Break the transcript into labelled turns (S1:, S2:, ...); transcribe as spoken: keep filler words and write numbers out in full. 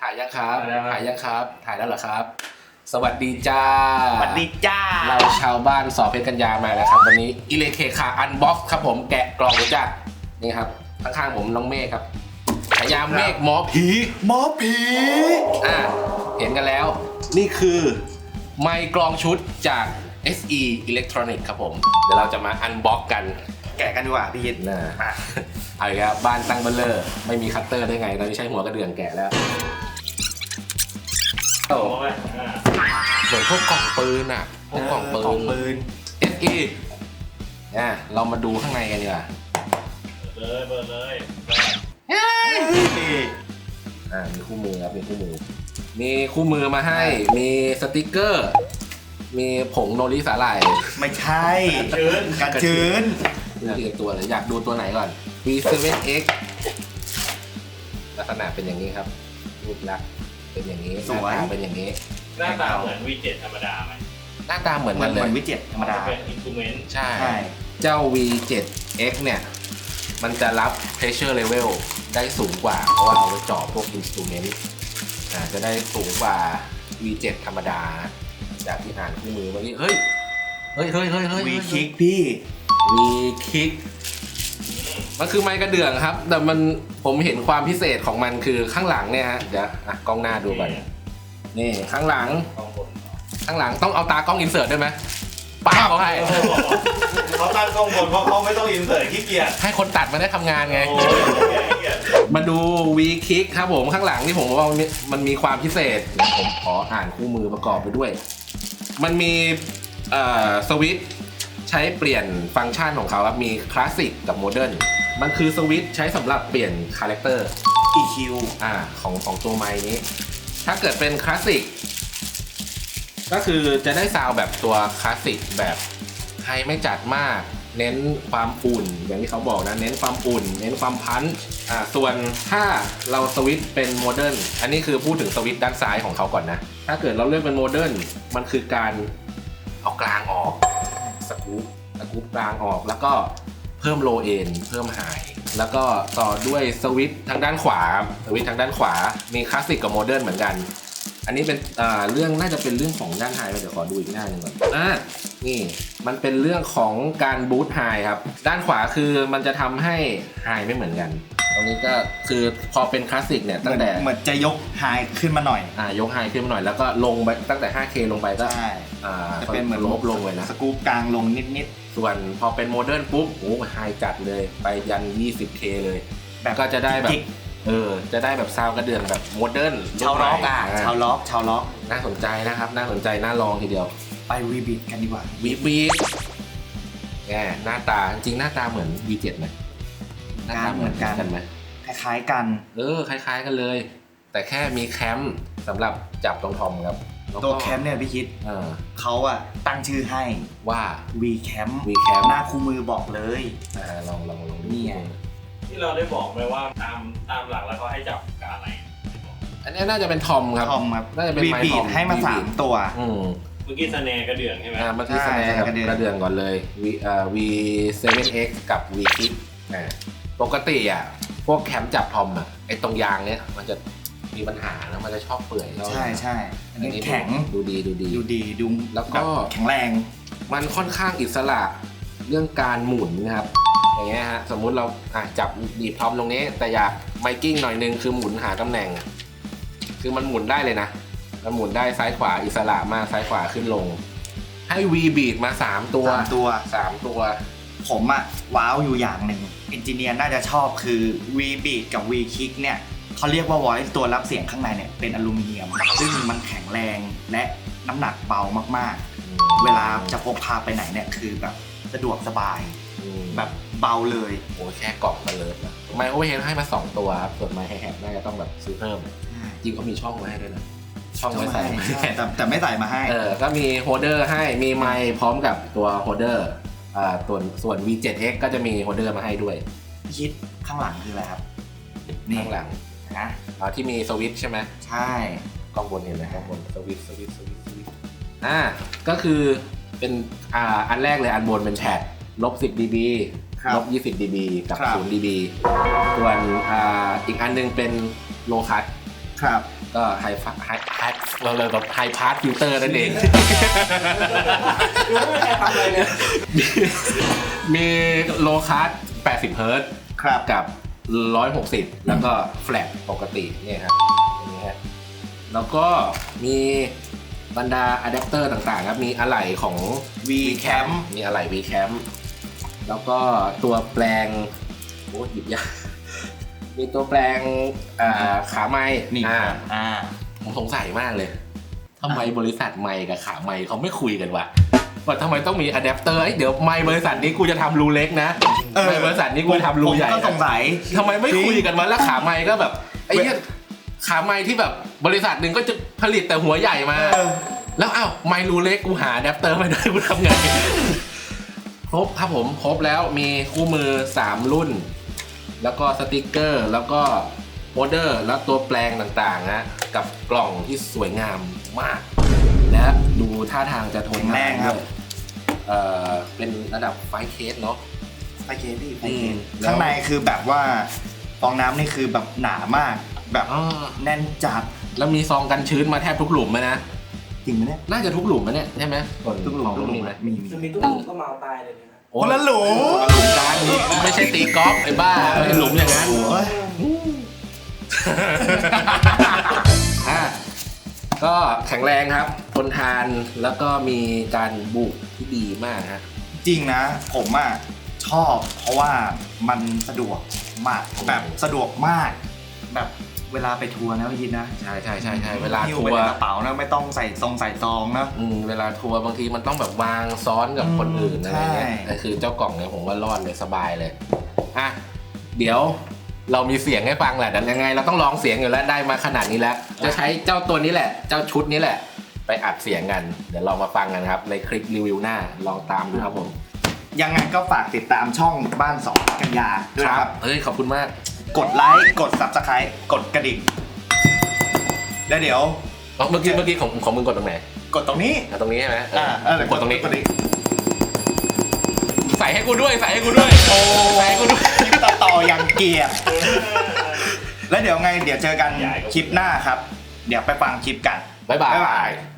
S1: ถ่ายยังครับถ่ายยังครับถ่ายแล้วเหรอครับสวัสดีจ้า
S2: สวัสดีจ้า
S1: เราชาวบ้านสอเพชรกัญญามาแล้วครับวันนี้อิเลเคคาอันบ็อกซ์ครับผมแกะกล่องจ้านี่ครับข้างๆผมน้องเมฆครับฉายาเมฆหมอผี
S2: หมอผี
S1: อ่าเห็นกันแล้วนี่คือไมค์กลองชุดจาก เอส อี Electronics ครับผมเดี๋ยวเราจะมาอันบ็อกกัน
S2: แกะกันดีกว่าพี่ยิน
S1: นะเอาอีกแล้วบ้านตั้งเบลเลอร์ไม่มีคัตเตอร์ได้ไงตอนนี้ใช้หัวกระเดื่องแกะแล้วโอ้เหมือนพวกกล่องปืนอ่ะพวกกล่องปืน เอส อี เนี่ยเรามาดูข้างในกันดีกว่า
S3: เปิดเลยเปิดเลย
S1: เฮ้ยอ่ามีคู่มือครับมีคู่มือมีคู่มือมาให้มีสติกเกอร์มีผงโนริสาหร่าย
S2: ไม่ใช่ชื้นกระชื้น
S1: ดูทีละตัวเลยอยากดูตัวไหนก่อน วี เซเว่น เอ็กซ์ ลักษณะเป็นอย่างนี้ครับรูปลักษณ์เป็นอย่างนี้หน้าตาเป็นอย่างนี้
S3: หน้าตาเหมือน วี เจ็ด ธรรมดาไหม
S1: หน้าตาเหมือนกันเลย
S2: เหมือน วี เจ็ด ธรรมดา
S3: เป็น instrument
S1: ใช่เจ้า วี เจ็ด เอ็กซ์ เนี่ยมันจะรับ pressure level ได้สูงกว่าเพราะว่าเอาไว้เจาะพวก instrument อ่าจะได้สูงกว่า วี เจ็ด ธรรมดาจากที่อ่านคู่มือเมื่อกี้เฮ้ยเฮ้ยเฮ้ยเฮ้ยเฮ้ย
S2: วี คิกพี่
S1: วี คิกมันคือไม้กระเดื่องครับแต่มันผมเห็นความพิเศษของมันคือข้างหลังเนี่ยฮะเดี๋ยวอ่ะกล้องหน้าดูก่อนนี่ข้างหลังข้างหลังต้องเอาตากล้องอินเสิร์ตด้วยไหมป้าเขาให้
S3: เขาตั้งกล้องบนเพราะเขาไม่ต้องอินเสิร์ตขี้เกียจ
S1: ให้คนตัดมันได้ทำงานไงมาดู วี คิกครับผมข้างหลังที่ผมว่ามันมีความพิเศษผมขออ่านคู่มือประกอบไปด้วยมันมีเอ่อสวิตช์ใช้เปลี่ยนฟังก์ชันของเขาครับมีคลาสสิกกับโมเดิร์นมันคือสวิตช์ใช้สำหรับเปลี่ยนคาแรคเตอร์
S2: อี คิว
S1: อ่าของของตัวไมค์นี้ถ้าเกิดเป็นคลาสสิกก็คือจะได้ซาวด์แบบตัวคลาสสิกแบบไฮไม่จัดมากเน้นความอุ่นอย่างที่เขาบอกนะเน้นความอุ่นเน้นความพันช์อ่าส่วนถ้าเราสวิตช์เป็นโมเดิร์นอันนี้คือพูดถึงสวิตช์ด้านซ้ายของเขาก่อนนะถ้าเกิดเราเลือกเป็นโมเดิร์นมันคือการเอากลางออกสกู๊ปสกู๊ปกลางออกแล้วก็เพิ่มโลเอนเพิ่มไฮแล้วก็ต่อด้วยสวิตช์ทางด้านขวาสวิตช์ทางด้านขวามีคลาสสิกกับโมเดิร์นเหมือนกันอันนี้เป็นอ่าเรื่องน่าจะเป็นเรื่องของด้านไฮเดี๋ยวขอดูอีกหน้าหนึ่งก่อนอ่านี่มันเป็นเรื่องของการบูทไฮครับด้านขวาคือมันจะทำให้ไฮไม่เหมือนกันตรงนี้ก็คือพอเป็นคลาสสิกเนี่ยตั้งแต่
S2: เหมือนจะยกไฮขึ้นมาหน่อย
S1: อ่ายกไฮขึ้นมาหน่อยแล้วก็ลงไปตั้งแต่ ห้าเค ลงไปก็อ่า
S2: จะเป็นเหมือน
S1: ลบลงเลยนะ
S2: สกู๊ปกลางลงนิด
S1: ๆส่วนพอเป็นโมเดิร์นปุ๊บโอ้ไฮจัดเลยไปยัน ยี่สิบเค เลยแบบก็จะได้แบบเออจะได้แบบซาวกระเดื่องแบบโมเดิร์น
S2: ชาวล็อกอ่ะชาวล็อกชาวล็อก
S1: น่าสนใจนะครับน่าสนใจน่าลองทีเดียว
S2: ไปวีบีกันดีกว่า
S1: วีบีแหมหน้าตาจริงหน้าตาเหมือน วี เจ็ด ไหม
S2: หน้าตาเหมือนกัน
S1: ไหม
S2: คล้ายๆกัน
S1: เออคล้ายๆกันเลยแต่แค่มีแคมสำหรับจับตรงทอมครับ
S2: ตัวแคมเนี่ยพี่คิดเออเขาอะตั้งชื่อให้
S1: ว่า
S2: วี แคม
S1: วี แคม
S2: หน้าคู่มือบอกเลย
S1: อ่าลองลองลอง
S2: นี่ไง
S3: ที่เราได้บอกไปว่าตามตามหลักแล้วเขาให้จับกับอะไร
S1: อันนี้น่าจะเป็นทอมครับ
S2: ทอมครับ
S1: น่าจะเป็นไมค์ทอม
S2: ให้มาสามตัว
S1: อืม
S3: เมื่อกี้สแนร์กระเดื่องใช่ไหม
S1: อ่าเมื่อกี้สแนร์กับกระเดื่องก่อนเลย V อ่า วี เซเว่น เอ็กซ์ กับ วี คิกอ่าปกติอ่ะพวกแคมจับทอมอ่ะไอ้ตรงยางเนี้ยมันจะมีปัญหาแล้วมันจะชอบเปื่อย
S2: ใช่ใช่อันนี้แข็ง
S1: ดูดีดูดี
S2: ดูดีดู
S1: แล้วก็
S2: แข็งแรง
S1: มันค่อนข้างอิสระเรื่องการหมุนนะครับอย่างเงี้ยฮะสมมุติเราอ่ะจับดีบทอมตรงนี้แต่อยากไมกิ้งหน่อยนึงคือหมุนหาตำแหน่งคือมันหมุนได้เลยนะมันหมุนได้ซ้ายขวาอิสระมากซ้ายขวาขึ้นลงให้ V บีทมาสามตัว
S2: สามตัว
S1: สามตัว
S2: ผมอะว้าวอยู่อย่างหนึ่งเอนจิเนียร์น่าจะชอบคือ V beat กับ V kick เนี่ยเขาเรียกว่า voice ตัวรับเสียงข้างในเนี่ยเป็นอลูมิเนียมซึ่งมันแข็งแรงและน้ำหนักเบามากๆเวลาจะพกพาไปไหนเนี่ยคือแบบสะดวกสบายแบบเบาเลย
S1: โอ้แค่กล่องมาเลยนะไมโครเวฟให้มาสองตัวครับส่วนไมค์ไฮแฮทน่าจะต้องแบบซื้อเพิ่มจริงเขามีช่องไว้ให้ด้วยนะช่องไว้ใส่
S2: แต่แต่ไม่ใส่มาให้
S1: เออก็มีโฮลเดอร์ให้มีไมค์พร้อมกับตัวโฮลเดอร์อ่าส่วนส่วน วี เจ็ด เอ็กซ์ ก็จะมีโฮลเดอร์มาให้ด้วย
S2: พี่คิดข้างหลังคืออะไรครับ
S1: ข้างหลัง
S2: นะ
S1: อ่าที่มีสวิตช์ใช่ไหม
S2: ใช่
S1: กล้องบนเห็นไหมกล้องบนสวิตช์สวิตช์สวิตช์สวิตช์อ่าก็คือเป็นอ่าอันแรกเลยอันบนเป็นแพดลบสิบ ดี บี ลบยี่สิบ ดี บี กับศูนย์ ดี บี ส่วนอ่าอีกอันนึงเป็นโลคัท
S2: ครับ
S1: ก็ไฮฟไฮไฮเราเลยแบบไฮพาสฟิลเตอร์นั่นเอง
S3: ดูไม่มีใครทำอะไรเลย
S1: มีมีโลคัสแปดสิบเฮิร์ตซ์
S2: ครับ
S1: กับหนึ่งร้อยหกสิบแล้วก็แฟลตปกติเนี่ยครับนี่ฮะแล้วก็มีบรรดาอะแดปเตอร์ต่างๆครับมีอะไหล่ของ
S2: V-Cam
S1: มีอะไหล่ V-Cam แล้วก็ตัวแปลงโอ้หยิบยาก มีตัวแปลงอ่าขาไม้
S2: นี่
S1: อ่า
S2: อ่า
S1: ผมสงสัยมากเลยทำไมบริษัทไมค์กับขาไมค์เขาไม่คุยกันวะว่าทำไมต้องมีอะแดปเตอร์เดี๋ยวไมค์บริษัทนี้กูจะทำรูเล็กนะ
S2: เออ
S1: ไมค์บริษัทนี้กูจะทำรูใหญ่
S2: ผมก็ส
S1: นะ
S2: งสัย
S1: ทำไมไม่คุยกันวะแล้วขาไมค์ก็แบบไอ้เนี่ยขาไมค์ที่แบบบริษัทหนึ่งก็จะผลิตแต่หัวใหญ่มา
S2: เออ
S1: แล้วอ้าวไมค์รูเล็กกูหาอะแดปเตอร์ไม่ได้กูทำไง ครบครับผมครบแล้วมีคู่มือสามรุ่น แล้วก็สติกเกอร์แล้วก็โมเดอร์แล้วตัวแปลงต่างๆนะกับกล่องที่สวยงามมาก และดูท่าทางจะทน
S2: แรงครับ
S1: ด้วยเอ่อเป็นระดับไฟเคสเนาะ
S2: ไฟเคสพี่ไฟ
S1: อื
S2: เค
S1: ม
S2: ส
S1: แล้ว
S2: ข้างในคือแบบว่าฟองน้ำนี่คือแบบหนามาก แบบ
S1: อ๋อ
S2: แน่นจัด
S1: แล้วมีซองกันชื้นมาแทบทุกหลุมไหมนะ
S2: จริงไหมเนี่ย
S1: น่าจะทุกหลุมนะเนี่ยใช่ไหมส่วน
S2: ทุกหลุม
S1: ของ
S2: ทุกหลุม
S1: มีไหม
S2: มีมี
S3: จะมีทุกคนก็เมาตายเลยนะ
S1: โอ้
S2: คนละหลุม
S1: คนละหลุมกันนี่ไม่ใช่ตีกอล์ฟไอ้บ้าไม่ใช่หลุมอย่างนั้น
S2: โอ้ย
S1: อ่ะก็แข็งแรงครับทนทานแล้วก็มีการบุกที่ดีมากฮะ
S2: จริงนะ ผมอ่ะชอบเพราะว่ามันสะดวกมากแบบสะดวกมาก แบบเวลาไปทัวร์นะพี่ยินนะ
S1: ใช่ใช่ใช่ใช่เวลา
S2: หิ้
S1: ทั
S2: ไป
S1: ว
S2: ใน
S1: ร์
S2: กระเป๋านะไม่ต้องใส่ซองใส่ซองนะ
S1: อืมเวลาทัวร์บางทีมันต้องแบบวางซ้อนกับคนอื่นอะไรเงี้ย
S2: ใช่
S1: แต่คือเจ้ากล่องเนี่ยผมว่ารอดเลยสบายเลยอ่ะเดี๋ยวเรามีเสียงให้ฟังแหละแต่ยังไงเราต้องลองเสียงอยู่แล้วได้มาขนาดนี้แล้ว จะใช้เจ้าตัวนี้แหละ เจ้าชุดนี้แหละ ไปอัดเสียงกัน เดี๋ยวลองมาฟังกันครับในคลิปรีวิวหน้าลองตามดูครับผม
S2: ยังไงก็ฝากติดตามช่องบ้านสองกันยาด้วยนะครับ
S1: เฮ้ยขอบคุณมาก
S2: กดไลค์กด Subscribe กดกระดิ่งแล้วเดี๋ยว
S1: อ๋อเมื่อกี้เมื่อกี้ของของมึงกดตรงไหน
S2: กดตรงนี้
S1: อ่ะตรงนี้ใช่ไหมเออ
S2: อ่าเออ
S1: ผมกดตรงนี้
S2: กดตรงนี้
S1: ใส่ให้กูด้วยใส่ให้กูด้วยโอ้ใส่ให้กูด้วย
S2: คลิปต่อๆอย่างเกลียดแล้วเดี๋ยวไงเดี๋ยวเจอกันคลิปหน้าครับ เดี๋ยวไปฟังคลิปกัน
S1: บ๊ายบา
S2: บ๊ายบาย
S1: ย